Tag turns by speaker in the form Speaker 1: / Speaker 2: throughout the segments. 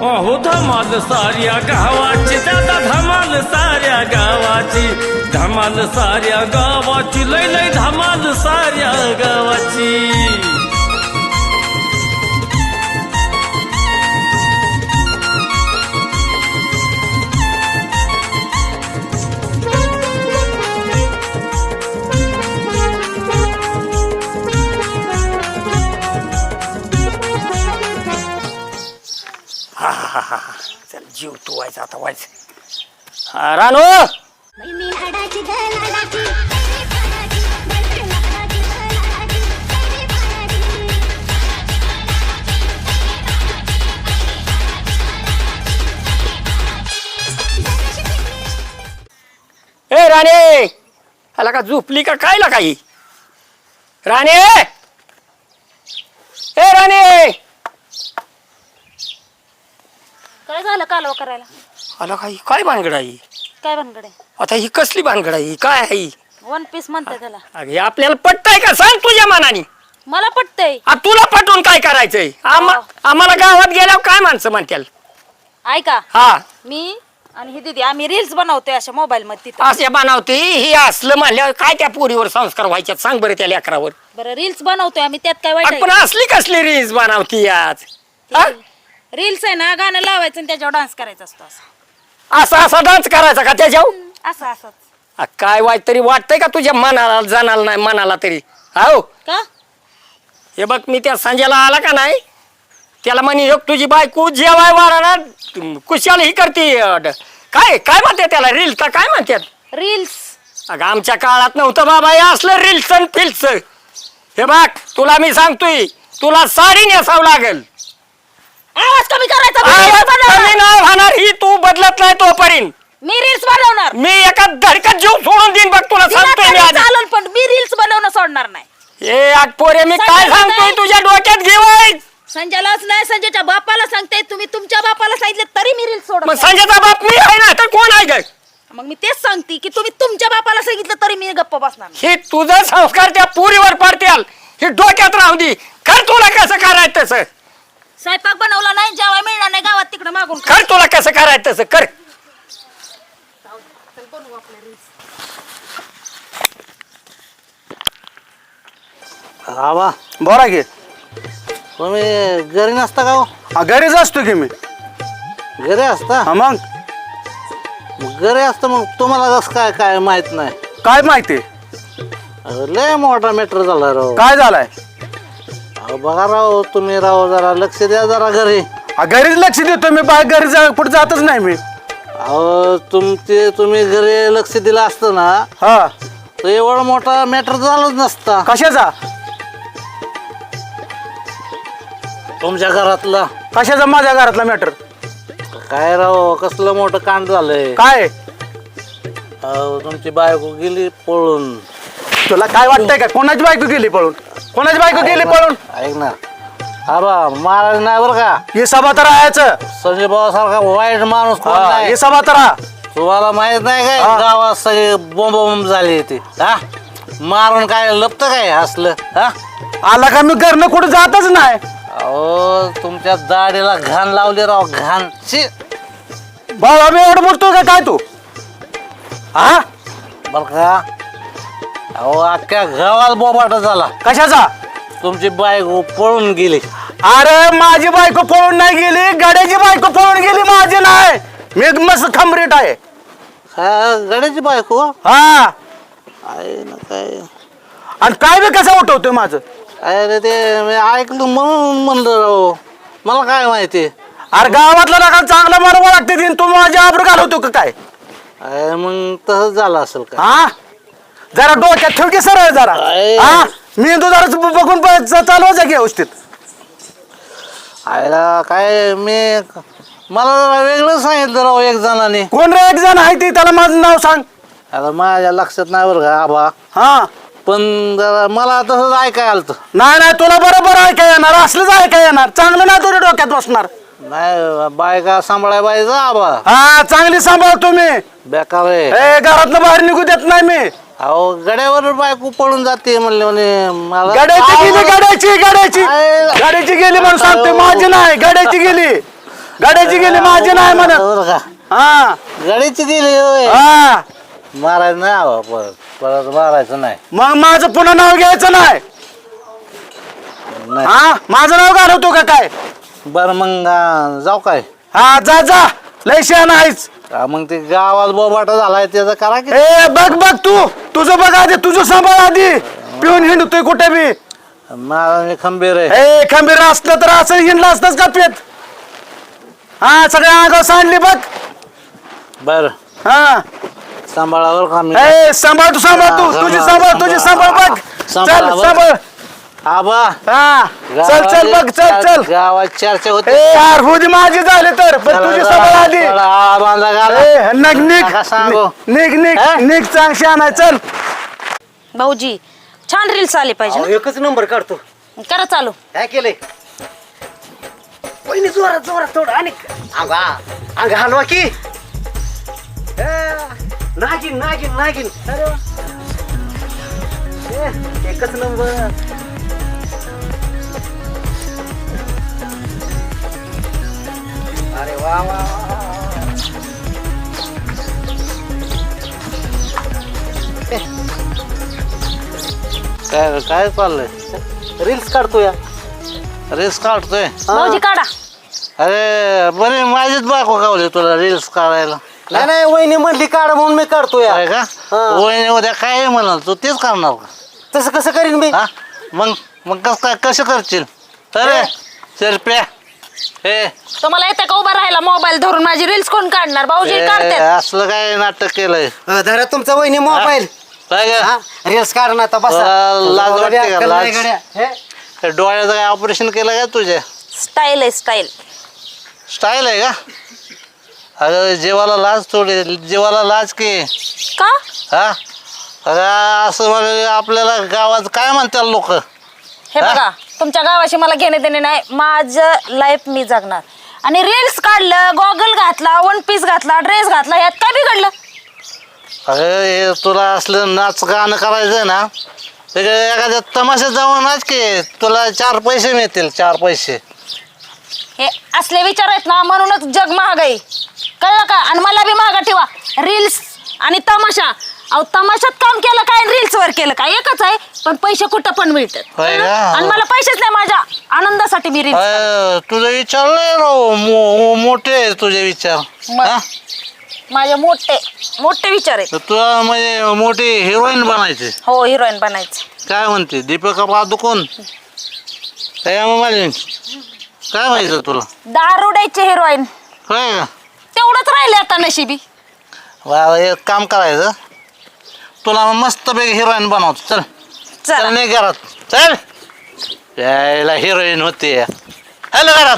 Speaker 1: अहो धमाल साऱ्या गावाची दादा धमाल साऱ्या गावाची धमाल साऱ्या गावाची लय लय धमाल साऱ्या गावाची
Speaker 2: चल जीव तू व्हायचा आता व्हायचं रानो ए राणे आला का झोपली का काय ला काही राणे ए राणे
Speaker 3: काय झालं कालवा करायला
Speaker 2: आला काही काय भानगड आहे
Speaker 3: काय भानगड आहे
Speaker 2: आता ही कसली भानगड आहे काय आहे
Speaker 3: वन पीस म्हणते त्याला
Speaker 2: अरे आपल्याला पटतंय का सांग तुझ्या मनाने
Speaker 3: मला पटतंय
Speaker 2: तुला पटवून काय करायचंय आम्हाला गावात गेल्यावर काय माणसं म्हणतील
Speaker 3: ऐका
Speaker 2: हा
Speaker 3: मी आणि ही दीदी आम्ही रील्स बनवतोय अशा मोबाईल मध्ये तिथं
Speaker 2: असे बनवते ही असलं म्हणल्यावर काय त्या पोरीवर संस्कार व्हायच्यात सांग बरं त्या लेकरावर
Speaker 3: बरं रील्स बनवतोय आम्ही त्यात काय वाईट
Speaker 2: पण असली कसली रील्स बनवती आज हा?
Speaker 3: रील्स आहे ना गाणं लावायचं आणि त्याच्यावर डान्स करायचा असतो
Speaker 2: असा असा डान्स करायचा का त्याच्यावर
Speaker 3: असं असंच
Speaker 2: काय वाईट तरी वाटतंय का तुझ्या मनाला जाणार नाही मनाला तरी हो
Speaker 3: का
Speaker 2: हे बघ मी त्या संजयला आला का नाही त्याला म्हणे तुझी बायको जेवाय वारा कुशाला ही करते काय काय म्हणते त्याला रील्स का काय म्हणतात
Speaker 3: रील्स
Speaker 2: अगं आमच्या काळात नव्हतं बाबा हे असलं रील्स आणि फिल्स हे बघ तुला मी सांगतोय तुला साडी नेसावं लागेल
Speaker 3: आवाज कमी करायचा
Speaker 2: कमी नाही होणार ही तू बदलत नाही तोपर्यंत
Speaker 3: मी रील्स बनवणार
Speaker 2: मी एका धडकत जीव सोडून देईन बघ तुला सांगतोय मी आधी
Speaker 3: चालेल पण मी रील्स बनवणं सोडणार नाही
Speaker 2: ए पोरे मी काय सांगतोय तुझ्या डोक्यात घेवाय
Speaker 3: संजयलाच नाही संजयच्या बापाला सांगते तुम्ही तुमच्या बापाला सांगितलं तरी मी रील्स सोडत
Speaker 2: मग
Speaker 3: नाही.
Speaker 2: संजयचा बाप मी आहे ना तर कोण आहे काय
Speaker 3: मग मी तेच सांगते की तुम्ही तुमच्या बापाला सांगितलं तरी मी गप्प बसणार नाही.
Speaker 2: हे तुझं संस्कार त्या पुरीवर पडतील हे डोक्यात राहू दे कर तुला कसं करायचं तसं
Speaker 3: स्वयंपाक बनवला नाही जेवाय मिळणार नाही गावात तिकडे मागून
Speaker 2: कर तुला कसं करायचं तसं कर
Speaker 4: आवा
Speaker 5: बोला की
Speaker 4: तुम्ही घरी नसता का हो?
Speaker 5: घरीच असतो की मी
Speaker 4: घरी असता
Speaker 5: हा मग
Speaker 4: घरी असतं मग तुम्हाला कसं काय काय माहित नाही
Speaker 5: काय माहिती
Speaker 4: अहो, लय मोठा मॅटर झाला राव
Speaker 5: काय झालाय
Speaker 4: अहो, बघा राव तुम्ही राव जरा लक्ष द्या जरा घरी
Speaker 5: घरीच लक्ष देतो मी बाहेर घरी पुढे जातच नाही मी
Speaker 4: अहो तुम्ही घरी लक्ष दिलं असतं ना
Speaker 5: हा
Speaker 4: तर एवढा मोठा मॅटर झालाच नसता
Speaker 5: कशाचा
Speaker 4: तुमच्या घरातला
Speaker 5: कशाचा माझ्या घरातला मॅटर
Speaker 4: काय राव कसलं मोठं कांड झालंय
Speaker 5: काय
Speaker 4: अहो, तुमची बायको गेली पळून
Speaker 5: तुला काय वाटतंय का कोणाची बायको गेली पळून कोणाची बायको गेली पळून
Speaker 4: ऐक ना अबा महाराज नाही बरं का
Speaker 5: हे सभा तर राहायचं
Speaker 4: संजय भाऊ सारखा वाईट माणूस कोण नाही
Speaker 5: हे सभा तर राहा
Speaker 4: तुम्हाला माहित नाही काय गावात सगळे बोंब झाले ते हा मारून काय लपत काय असलं हा
Speaker 5: आला का मी घरनं कुठं जातच नाही
Speaker 4: अहो तुमच्या दाढीला घाण लावली राव घाण शी
Speaker 5: बाबा मी एवढं बोलतो का काय तू हा
Speaker 4: बर का अहो अख्ख्या गावात बोबाटा झाला
Speaker 5: कशाचा
Speaker 4: तुमची बायको पळून गेली
Speaker 5: अरे माझी बायको पळून नाही गेली गाड्याची बायको पळून गेली माझी नाही मी मस्त खंबरीट आहे
Speaker 4: हा गड्याची बायको
Speaker 5: हा
Speaker 4: आहे ना काय
Speaker 5: आणि काय बी कसं उठवतोय माझं
Speaker 4: अरे ते मी ऐकलं म्हणून म्हणलं राव मला काय माहिती
Speaker 5: अरे गावातला नका चांगला मारवा लागते दिन तू माझ्या आबरू घालवतो का काय
Speaker 4: अरे मग तसंच झालं असेल का
Speaker 5: हा जरा डोक्यात ठेव की सरळ जरा हा मेंदू जरा बघून चालवायचा की व्यवस्थित
Speaker 4: आयला काय मला जरा वेगळं सांगितलं राव एक जणांनी
Speaker 5: कोण रे एक जण आहे ती त्याला माझं नाव सांग
Speaker 4: आता माझ्या लक्षात नाही बरं का आबा
Speaker 5: हा
Speaker 4: पण जरा मला तसंच ऐकाय आलं
Speaker 5: नाही नाही तुला बरोबर ऐकाय येणार असलंच ऐकाय येणार चांगलं नाही तुझ्या डोक्यात बसणार
Speaker 4: नाही बायका सांभाळाय पाहिजे आबा
Speaker 5: हा चांगली सांभाळ तुम्ही
Speaker 4: बेकार आहे
Speaker 5: ए घरातनं बाहेर निघू देत नाही मी
Speaker 4: अहो गड्यावर बायको पळून जाते म्हणले म्हणे मला
Speaker 5: गाड्याची गेली गाड्याची
Speaker 4: आहे.
Speaker 5: गाड्याची गेली म्हणून सांगते माझी नाही गाड्याची गेली गाड्याची गेली माझी नाही म्हणत.
Speaker 4: बरं का
Speaker 5: हा
Speaker 4: गाडीची गेली होय.
Speaker 5: हा
Speaker 4: मारायचं नाही हवा परत परत मारायचं नाही
Speaker 5: मग माझं पुन्हा नाव घ्यायचं नाही.
Speaker 4: नाही.
Speaker 5: हा माझं नाव घालवतो का काय?
Speaker 4: बरं मग जाऊ काय
Speaker 5: हा जा जा लय शहाणा आहेस.
Speaker 4: मग ते गावात बोबाटा झालाय त्याचं करा की
Speaker 5: ए बघ बघ तू तुझं बघ आधी तुझं सांभाळ आधी. पिऊन हिंडतोय कुठे बी.
Speaker 4: मला मी खंबीर आहे
Speaker 5: ए खंबीर असलं तर असं हिंडलं असतंच का पेत. हा सगळ्या अंगावर सांडली बघ.
Speaker 4: बर
Speaker 5: हा
Speaker 4: सांभाळावर का मी
Speaker 5: ए सांभाळ तू तुझी सांभाळ बघ. चल सांभाळ.
Speaker 4: आबा
Speaker 5: हा चल चल बघ चल
Speaker 4: गावात चर्चा होते
Speaker 5: ए यार होती माझी झाले तर पण तुझी सांभाळ आधी. ए,
Speaker 4: नका सांगू.
Speaker 5: निघ चांग शहाणा चल.
Speaker 3: भाऊजी छान रील्स आले पाहिजे ना?
Speaker 5: एकच नंबर काढतो.
Speaker 3: करा चालू.
Speaker 5: काय केलंय पहिली जोरात थोडं आणि अंग हलवा की नागिन अरे वा. एकच नंबर. अरे वा वा
Speaker 4: काय काय चाललंय
Speaker 5: रील्स काढतो या.
Speaker 4: रील्स काढतोय
Speaker 3: भाऊजी काढा.
Speaker 4: अरे बरे माझीच बायको गावली तुला रील्स काढायला
Speaker 5: नाही वहिनी म्हणली काढ म्हणून मी काढतो या.
Speaker 4: काय का वहिनी उद्या काय म्हणाल तू तेच करणार का
Speaker 5: तसं कसं करीन मी.
Speaker 4: हा मग कसं करशील अरे शिरप्या हे
Speaker 3: तुम्हाला येते का उभा राहायला मोबाईल धरून माझी रील्स कोण काढणार? भाऊजी काढतात.
Speaker 4: असलं काय नाटक केलंय
Speaker 5: धरा तुमचा वहिनी मोबाईल.
Speaker 4: काय ग?
Speaker 5: रील्स काढ ना आता
Speaker 4: लाज वाटते का? लाज?
Speaker 5: हे?
Speaker 4: हे डोळ्याचं काय ऑपरेशन केलं का तुझ्या
Speaker 3: स्टाईल आहे स्टाईल.
Speaker 4: स्टाईल आहे का अगं जीवाला लाज थोडी जीवाला लाज की
Speaker 3: का?
Speaker 4: हा अगं असं म्हणजे आपल्याला गावात काय म्हणतात लोक
Speaker 3: हे
Speaker 4: हा?
Speaker 3: बघा तुमच्या गावाशी मला घेणे देणे नाही. माझं लाईफ मी जगणार. आणि रील्स काढलं, गॉगल घातला, वन पीस घातला, ड्रेस घातला, यात काय बिघडलं?
Speaker 4: अगं हे तुला असलं नाच गाणं करायचं ना ते एखाद्या तमाशात जाऊन नाच की तुला 4 पैसे मिळतील 4 पैसे
Speaker 3: हे असले विचार आहेत ना म्हणूनच जग महाग आहे. कळलं का? आणि मला बी महागा ठेवा. रील्स आणि तमाशा. अहो तमाशात काम केलं काय रील्स वर केलं काय एकच आहे. पण पैसे कुठं पण मिळतात.
Speaker 4: होय का?
Speaker 3: आणि मला पैसेच नाही. माझ्या आनंदासाठी मी रील्स.
Speaker 4: तुझे विचार लय राव मोठे आहे तुझे विचार हा?
Speaker 3: माझे मोठे विचार आहेत.
Speaker 4: तर तुला म्हणजे मोठी हिरोईन बनायचे
Speaker 3: हो हिरोईन बनायचं.
Speaker 4: काय म्हणते दीपिका पादुकोण काय काय माहिती तुला
Speaker 3: दारुड्याचे हिरोईन
Speaker 4: होय का
Speaker 3: तेवढंच राहिले आता नशिबी.
Speaker 4: एक काम करायचं तुला मस्तपैकी हिरोईन बनवतो चल चल
Speaker 3: चला
Speaker 4: नाही घरात चल यायला हिरोईन होते हॅलो घरात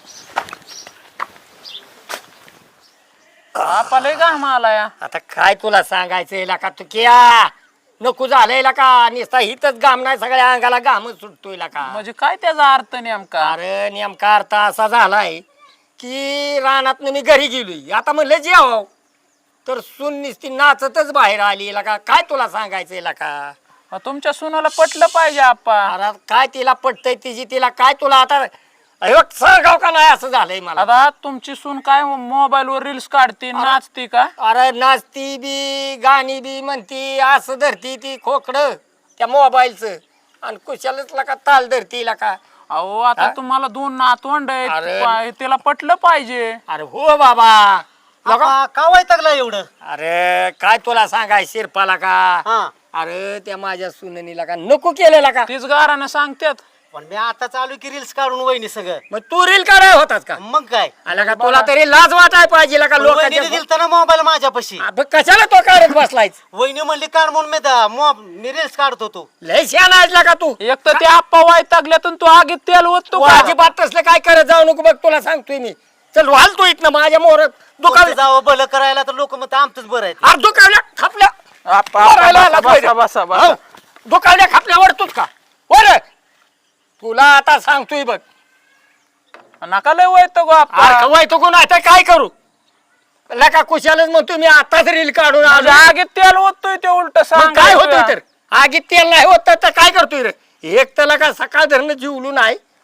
Speaker 5: आपले का मला या
Speaker 2: आता काय तुला सांगायचं का तू किया नको झालंय का नुसता हिथच घाम नाही सगळ्या अंगाला घामच सुटतोय का.
Speaker 5: म्हणजे काय त्याचा अर्थ नेमका.
Speaker 2: अरे नेमका अर्थ असा झालाय की रानात मी घरी गेलोय आता म्हणलं जेवाव तर सून निसती नाचतच बाहेर आली का. काय तुला सांगायचं का
Speaker 5: तुमच्या सुनाला पटलं पाहिजे आप्पा.
Speaker 2: अरे काय तिला पटतय तिची तिला काय तुला आता सांगाव का नाही असं झालंय मला.
Speaker 5: आता तुमची सून काय मोबाईल वर रील्स काढते नाचते का.
Speaker 2: अरे नाचती बी गाणी बी म्हणती असं धरती ती खोकड त्या मोबाईलचं आणि कुशालच का ताल धरती का.
Speaker 5: अहो आता तुम्हाला 2 नातवंड
Speaker 2: अरे.
Speaker 5: आहेत तिला पटलं पाहिजे.
Speaker 2: अरे हो बाबा
Speaker 5: का वैतागला एवढं.
Speaker 2: अरे काय तुला सांगाय शिरपाला का. अरे त्या माझ्या सुननीला का नको केलेला का.
Speaker 5: तीच गारानं सांगतात.
Speaker 6: पण मी आता चालू की रील्स काढून वहिनी सगळं.
Speaker 2: मग तू रील कराय होतात का.
Speaker 6: मग काय
Speaker 2: आला का तुला तरी लाज वाटाय पाहिजे का
Speaker 6: वहिनीने
Speaker 2: लोकांच्या.
Speaker 6: दिलता ना मोबाईल माझ्यापाशी.
Speaker 2: कशाला तो काढत बसलाय.
Speaker 6: वहिनी म्हणली काढ म्हणून मी रील्स काढत होतो.
Speaker 2: लय शहाणा आहेस का तू.
Speaker 5: एक तर ते आप्पा वैतागल्यातून तू आगीत तेल ओततो
Speaker 2: तू
Speaker 5: का?
Speaker 2: अजिबात तसलं काय करत जाऊ नको बघ तुला सांगतोय मी. चल वाल तू इथनं माझ्या मोहर
Speaker 6: कुठं
Speaker 2: दुकान
Speaker 6: जावं भलं करायला तर लोक मग आमचंच बरं आहे.
Speaker 2: अरे दुकावल्या खापल्या
Speaker 5: आप्पा,
Speaker 2: मारायला
Speaker 5: आप्पा,
Speaker 2: आला
Speaker 5: बसा,
Speaker 2: तो इथं.
Speaker 5: बसा, बसा.
Speaker 2: हो, दुकावल्या खापल्या वरतोच का वर. तुला आता सांगतोय बघ
Speaker 5: नका लय वैतो गो आप्पा.
Speaker 2: अरे वय तो कोण आता काय करू लका कुशालच म्हणतो मी आताच रील काढून आलो.
Speaker 5: आगीत तेल ओततोय ते उलट
Speaker 2: मग काय होतोय तर आगीत तेल नाही होत तर काय करतोय रे. एक तर का सकाळ धरणं जीवलू नाही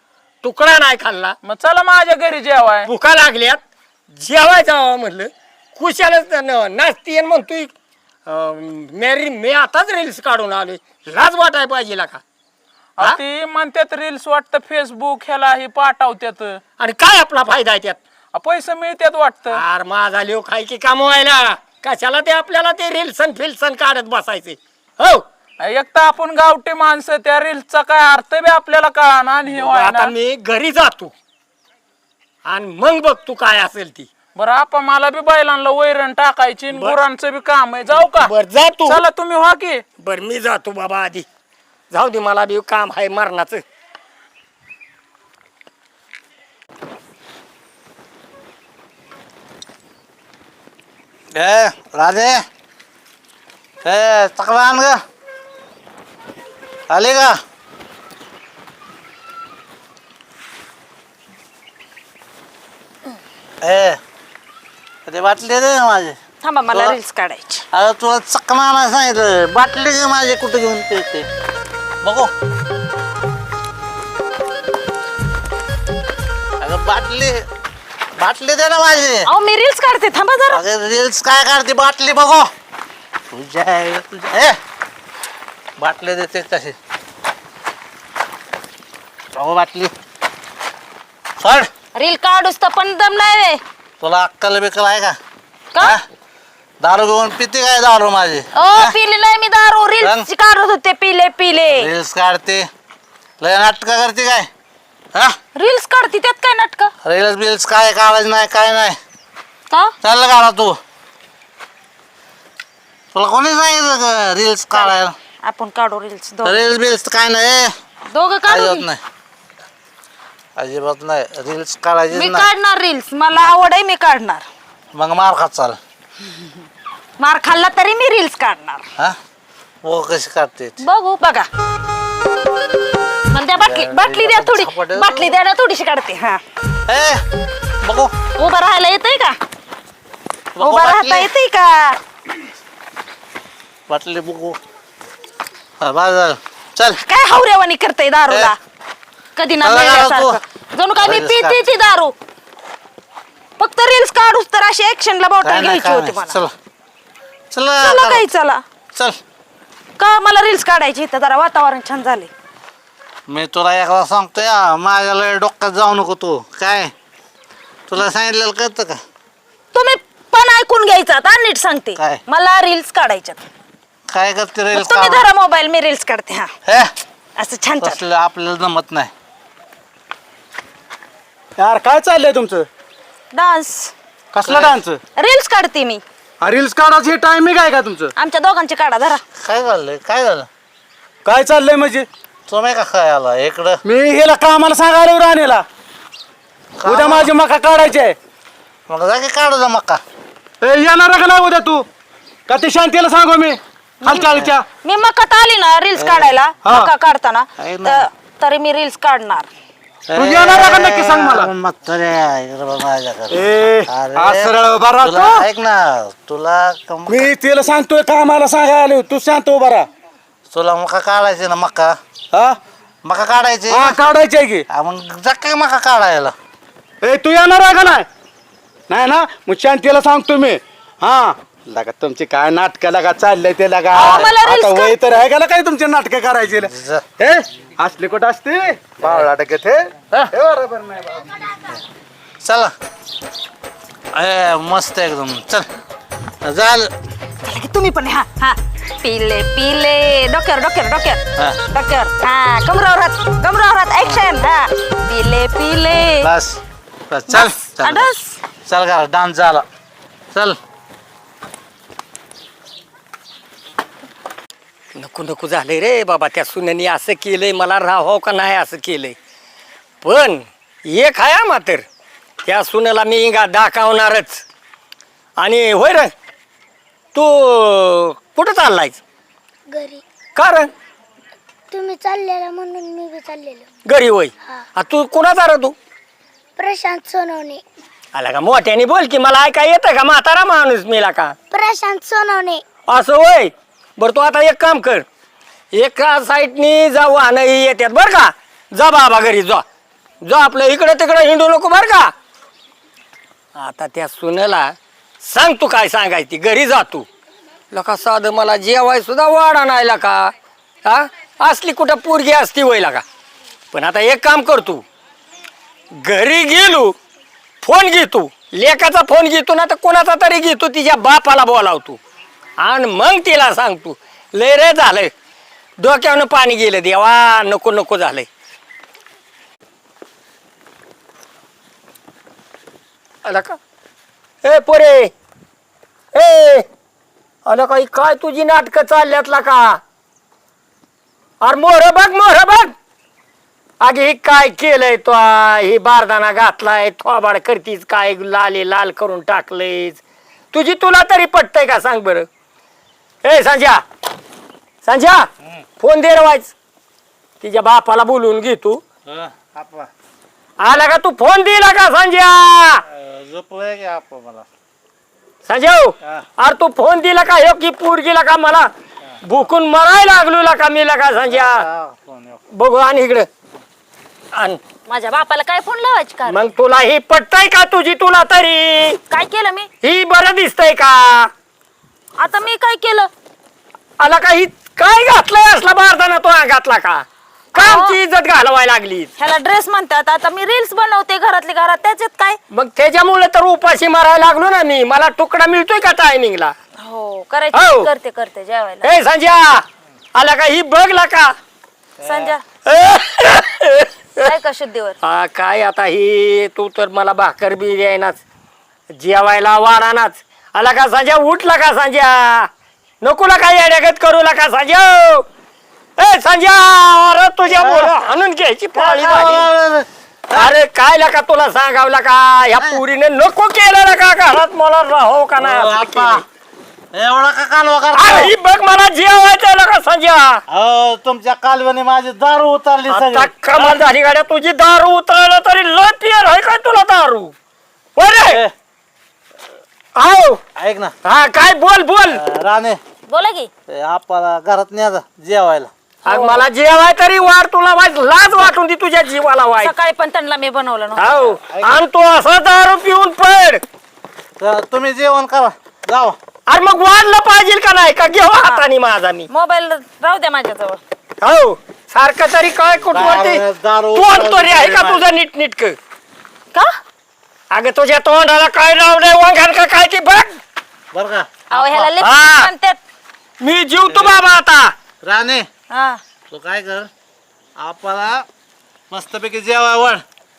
Speaker 2: तुकडा नाही खाल्ला.
Speaker 7: मग चला माझ्या घरी जेवाय.
Speaker 2: भुका लागल्यात जेवायचं हवं म्हणलं. कुशालच नाचती म्हणतोय मी आताच रील्स काढून आलोय. लाज वाटाय पाहिजे का? हा?
Speaker 7: ती म्हणतात रील्स वाटतं फेसबुक ह्याला हे पाठवतात.
Speaker 2: आणि काय आपला फायदा आहे त्यात?
Speaker 7: पैसे मिळतात वाटतं.
Speaker 2: अरे माझा लिओ खाय की कमवायला कशाला ते आपल्याला ते रील्सन फिल्सन काढत बसायचे. हो
Speaker 7: एक तर आपण गावठी माणसं, त्या रील्सचा काय अर्थ बी आपल्याला कळाना आणि हे
Speaker 2: आता
Speaker 7: व्हायना.
Speaker 2: मी घरी जातो आणि मग बघ तू काय असेल ती.
Speaker 7: बरं आपण मला बी बैलांना वैरण टाकायची आणि गुरांचं बी काम आहे. जाऊ का?
Speaker 2: बर जा तू.
Speaker 7: चला तुम्ही व्हा की.
Speaker 2: बर मी जातो बाबा आधी. जाऊ दे मला बी काम आहे मरणाचं.
Speaker 4: राधे चकला आण ग. आले का? ते बाटली दे ना माझे.
Speaker 3: थांबा मला रील्स काढायची.
Speaker 4: अरे तुला चकना आणायला सांगितलं. बाटली दे माझे कुठे घेऊन ते बघू. अगं बाटली दे ना माझी.
Speaker 3: अहो मी रील्स काढते थांबा जरा.
Speaker 4: अगं रील्स काय काढते? बाटली बघू. तुझ्या बाटली देते कशी? बघू बाटली. सोड.
Speaker 3: रील काढूस तर पण दम नाही रे.
Speaker 4: तुला अक्कल बिक्कल आहे का?
Speaker 3: का?
Speaker 4: हा? दारू घेऊन पिते काय दारू माझी?
Speaker 3: पिले नाही मी दारू. रील्स काढत होते. पिले
Speaker 4: रील्स काढते लय नाटक करते काय? हा
Speaker 3: रील्स काढते त्यात काय नाटक?
Speaker 4: रील्स बिल्स काय काढायचं नाही काय नाही.
Speaker 3: का?
Speaker 4: चाललं काढा तू. तुला कोणी सांगितलं रील्स काढायला?
Speaker 3: आपण काढू रील्स
Speaker 4: रील्स बिल्स काय नाही.
Speaker 3: दोघं काढू
Speaker 4: अजिबात
Speaker 3: की?
Speaker 4: नाही अजिबात नाही. रील्स काढायची
Speaker 3: मी
Speaker 4: नाही.
Speaker 3: काढणार रील्स. मला आवड आहे मी काढणार.
Speaker 4: मग मार खात चाल.
Speaker 3: मार खाल्ला तरी मी रील्स काढणार.
Speaker 4: हा वो कशी काढते ती?
Speaker 3: बघू बघा. द्या बाटली द्या थोडी. बाटली द्या ना थोडीशी काढते. हा
Speaker 4: ए बघू
Speaker 3: उभं राहायला येतंय का?
Speaker 4: बघू
Speaker 3: उभं राहता
Speaker 4: बाटली.
Speaker 3: येतंय का?
Speaker 4: बाटली बघू. हा बाजार चल.
Speaker 3: काय हावऱ्यावानी करताय दारूला? कधी ना
Speaker 4: चला काढा
Speaker 3: मिळाल्यासारखं. जणू काय मी
Speaker 4: रील्स
Speaker 3: पिते
Speaker 4: काढ.
Speaker 3: ती दारू. फक्त रील्स काढूस तर अशी ऍक्शनला
Speaker 4: काय
Speaker 3: बॉटल
Speaker 4: नाही
Speaker 3: घ्यायची
Speaker 4: काय
Speaker 3: होती
Speaker 4: नाही.
Speaker 3: मला.
Speaker 4: चला
Speaker 3: चला
Speaker 4: चला
Speaker 3: काही चला.
Speaker 4: चल.
Speaker 3: का मला रील्स काढायची इथं जरा वातावरण छान झाले.
Speaker 4: मी तुला एकदा सांगतोय माझ्या लय डोक्यात जाऊ नको तू. काय तुला सांगितलेलं कळतं का?
Speaker 3: तुम्ही पण ऐकून घ्यायचा आता नीट सांगते.
Speaker 4: काय?
Speaker 3: मला रील्स काढायच्यात.
Speaker 4: काय करते रील्स?
Speaker 3: तुम्ही धरा मोबाईल मी रील्स काढते. हा
Speaker 4: हे
Speaker 3: असं छान छान.
Speaker 4: तसलं आपल्याला जमत नाही.
Speaker 5: यार काय चाललंय तुमचं?
Speaker 3: डान्स
Speaker 5: कसला डान्स?
Speaker 3: रील्स काढते मी.
Speaker 5: रील्स काढायची टायमिंग आहे का तुमचं?
Speaker 3: आमच्या दोघांची काढा धरा.
Speaker 4: काय झालंय? काय झालं?
Speaker 5: काय चाललंय म्हणजे?
Speaker 4: तुम्ही का काय आला इकडं?
Speaker 5: मी हेला कामाला सांगायला राहण्याला उद्या माझी मका काढायची आहे.
Speaker 4: मग जा की काढू जा मका.
Speaker 5: येणार का नाही उद्या तू? का ते शांतीला सांगू मी हालचालच्या?
Speaker 3: मी मकात आली ना रील्स काढायला.
Speaker 5: हा.
Speaker 3: मका काढताना
Speaker 4: आहे ना.
Speaker 3: तरी मी रील्स काढणार.
Speaker 5: तू येणार का नक्की सांग मला.
Speaker 4: इकडं बघ माझ्याकडे.
Speaker 5: ए
Speaker 4: अरे,
Speaker 5: आज सरळ उभा
Speaker 4: तुला
Speaker 5: राहतो.
Speaker 4: ऐक ना तुला
Speaker 5: मी तिला सांगतोय कामाला सांगायला आलो, तू शांत उभा राहा.
Speaker 4: तुला मका काढायचे ना मका.
Speaker 5: हा
Speaker 4: मका काढायचे.
Speaker 5: हा काढायची आहे की.
Speaker 4: मग जा काय मका काढायला.
Speaker 5: ए तू येणार आहे का नाही? नाही ना मग शांतीला सांगतो मी. हा लगा तुमची काय नाटक लगा चाललंय ते लगा.
Speaker 3: अहो, मला reels
Speaker 5: आता वय तर आहे का काय तुमचे नाटक करायचे?
Speaker 4: जा.
Speaker 5: हे असले कुठं असते बावळा टाकत हे. हे बरोबर नाही बाबा.
Speaker 4: चला मस्त एकदम. चल झालं.
Speaker 3: चला की तुम्ही पण. हा हा पिले पिले डोक्यावर डोक्यावर डोक्यावर
Speaker 4: हा.
Speaker 3: डोक्यावर. हा कमरावर हात ऍक्शन. हा पिले पिले.
Speaker 4: बस बस चल चल
Speaker 3: अडस.
Speaker 4: चल का डान्स झाला. चल
Speaker 2: नको नको झालंय रे बाबा. त्या सुनेनी असं केलंय मला राहावं का नाही असं केलंय. पण एक आहे मात्र त्या सुनेला मी दाखवणारच. आणि होय रे तू कुठं चाललायस?
Speaker 8: घरी.
Speaker 2: का रे?
Speaker 8: तुम्ही चाललेला म्हणून मी बी चाललेलो.
Speaker 2: घरी होय. तू कुणाचा रे तू?
Speaker 8: प्रशांत सोनवणे.
Speaker 2: आला का मोठ्याने बोल की मला ऐका येतं का? म्हातारा माणूस मेला का?
Speaker 8: प्रशांत सोनवणे.
Speaker 2: असं होय. बरं तू आता एक काम कर. एका साईडनी जाऊ आणि येतात बरं का. जा बाबा घरी जा. जो आपलं इकडं तिकडं हिंडू नको बर का. आता त्या सुनेला सांग तू काय सांगायची, घरी जा तू. लका साधं मला जेवाय सुद्धा वाढा नाही लका. हा असली कुठं पोरगी असती वय लका. पण आता एक काम कर तू, घरी गेलो फोन घेतो, लेकाचा फोन घेतो ना तर कोणाचा तरी घेतो, तिच्या बापाला बोलावतो आणि मग तिला सांगतो लय रे झालंय, डोक्यावरनं पाणी गेलं देवा, नको नको झालंय. आला का ए पोरे, ए आला का, काय तुझी नाटकं चालल्यातला का. अरे मोर बघ, मोर बघ. अगे हे काय केलंय तो, हे बारदाना घातलाय, थोबाड करतीस काय, लाले लाल करून टाकलेस. तुझी तुला तरी पटतंय का सांग बरं. ए संजय, संजय फोन दे रवायच, तिच्या बापाला बोलवून घे तू.
Speaker 4: आपा
Speaker 2: आला का तू, फोन दिला का संजय.
Speaker 4: झोपलोय की आपा मला.
Speaker 2: संजय अरे तू फोन दिला का, हे की पोरगीला का मला भुकून मरायला लागलो का मी का संजय. बघू आणि इकडं आण.
Speaker 3: माझ्या बापाला काय फोन लावायची का.
Speaker 2: मग तुला ही पटतय का तुझी तुला तरी,
Speaker 3: काय केलं मी.
Speaker 2: ही बरं दिसतंय का.
Speaker 3: आता मी काय केलं.
Speaker 2: आला का, ही काय घातलंय असला बारदाना तो घातला का, का आमची इज्जत घालवायला लागली.
Speaker 3: ह्याला ड्रेस म्हणतात, आता मी रील्स बनवते घरातली घरात, त्याच्यात काय.
Speaker 2: मग त्याच्यामुळे तर उपाशी मारायला लागलो ना मी. मला तुकडा मिळतोय का टायमिंगला.
Speaker 3: हो करायची,
Speaker 2: हो.
Speaker 3: करते करते जेवायला.
Speaker 2: ए संजय आला का, ही बघला का.
Speaker 3: संजय काय का शुद्धीवर.
Speaker 2: हा काय आता ही, तू तर मला भाकर बी द्यायनाच, जेवायला वाढानाच. आला का संजय, उठला का संजय, नकोला काय येड्यागत करू का संजय. ए संजय अरे तुझ्या मुलं आणून घ्यायची पाळी झाली. अरे काय लका तुला सांगावला का, ह्या पुरीने नको केलं का घरात, मला राहो का नाही.
Speaker 4: एवढा का कालवा
Speaker 2: अरे
Speaker 4: करता.
Speaker 2: ही बघ मला जेवायचं का संजय.
Speaker 4: अहो तुमच्या कालव्याने माझी दारू उतरली
Speaker 2: आता
Speaker 4: सगळी.
Speaker 2: कमाल झाली गाड्या, तुझी दारू उतरलं तरी लय पियर आहे काय तुला दारू. बरे आओ
Speaker 4: ऐक ना
Speaker 2: हा काय, बोल बोल.
Speaker 4: राणे,
Speaker 3: बोला की.
Speaker 4: आपल्याला घरात न्या जेवायला.
Speaker 2: आज मला जेवाय तरी वाढ, तुला वाईट लाज वाटून ती तुझ्या जीवाला वाईट.
Speaker 3: सकाळी पण त्यांना मी बनवलं नव्हतं.
Speaker 2: हो आणि तू असं दारू पिऊन पड.
Speaker 4: तर तुम्ही जेवण करा जावा.
Speaker 2: अरे मग वाढलं पाहिजे का नाही का, घेऊ हाताने माझा मी.
Speaker 3: मोबाईल राहू द्या माझ्याजवळ.
Speaker 2: हो सारखं तरी काय कुठवरती
Speaker 4: दारू
Speaker 2: तोंड तरी आहे का तुझं नीट नीटक.
Speaker 3: का
Speaker 2: अगं तुझ्या तोंडाला काय लावलंय, वांघान का काय, की बघ.
Speaker 4: बर का.
Speaker 3: अहो ह्याला
Speaker 2: हा.
Speaker 3: लिपस्टिक म्हणतात.
Speaker 2: मी जीवतो बाबा आता.
Speaker 4: राणे
Speaker 3: हा
Speaker 4: तू काय कर, आपल्याला मस्तपैकी जेवाय वाढ.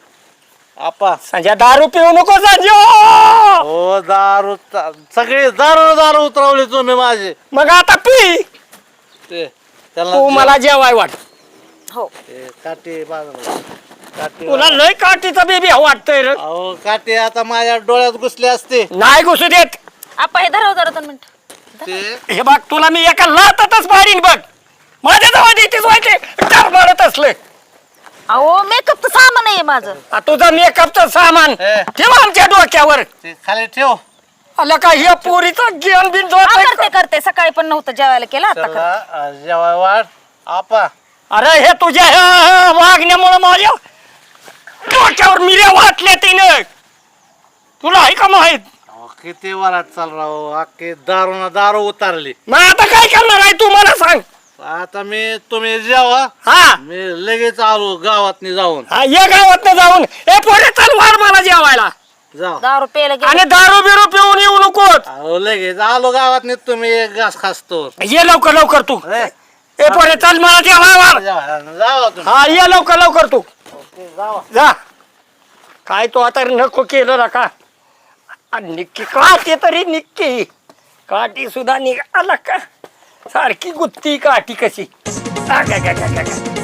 Speaker 4: आपा
Speaker 2: संजय दारू पिऊ नको संजय.
Speaker 4: हो दारू सगळी दारू दारू उतरवली तुम्ही माझी.
Speaker 2: मग आता पी,
Speaker 4: ते त्याला
Speaker 2: तू मला जेवाय वाट.
Speaker 3: हो
Speaker 4: ते काठी बाजूला काठी.
Speaker 2: तुला लय काठीचा बेबी वाटतंय रे.
Speaker 4: अहो काठी आता माझ्या डोळ्यात घुसली असते.
Speaker 2: नाही घुसू देत.
Speaker 3: आपा हे धराव जरा 2 मिनिट.
Speaker 4: ते
Speaker 2: हे बघ तुला मी एका लातातच मारीन बघ. माझ्या जवळ येतेच व्हायचे टार मारत असले.
Speaker 3: अहो मेकअपचं सामान आहे माझं.
Speaker 2: तुझं मेकअपचं सामान
Speaker 4: हे.
Speaker 2: ठेव आमच्या डोक्यावर.
Speaker 4: ते खाली ठेव.
Speaker 2: आला का हे पोरीचं ज्ञान बिन
Speaker 3: करते करते, सकाळी पण नव्हतं जेवायला केलं आता करते.
Speaker 4: चला जेवाय वाढ. आपा
Speaker 2: अरे हे तुझ्या ह्या वागण्यामुळे माझ्या डोक्यावर मिऱ्या वाटल्या तिनं. तुला आहे का माहित.
Speaker 4: अहो, किती वरात चाल राव, अख्खी दारू ना दारू उतारली.
Speaker 2: मग आता काय करणार आहे तू मला सांग.
Speaker 4: आता तुम्ही जेवा,
Speaker 2: हा
Speaker 4: मी लगेच आलो गावात जाऊन.
Speaker 2: हा ये गावात जाऊन ए पोरे चल वाढ मला जेवायला.
Speaker 4: जाऊ.
Speaker 3: दारू प्यायला गेले.
Speaker 2: आणि दारू बिरू पिऊन येऊ नकोत.
Speaker 4: अहो लगेच आलो गावात तुम्ही एक घास खासतो.
Speaker 2: ये लवकर लवकर तू. ए पोरे चल मला जेवायला.
Speaker 4: जावा तुम्ही.
Speaker 2: हा ये लवकर लवकर तू
Speaker 4: जावा.
Speaker 2: जा. काय तो आता नको केलं ना का. निक्की काठी तरी निक्की काठी सुद्धा निघाला का, सारखी गुत्ती काठी कशी.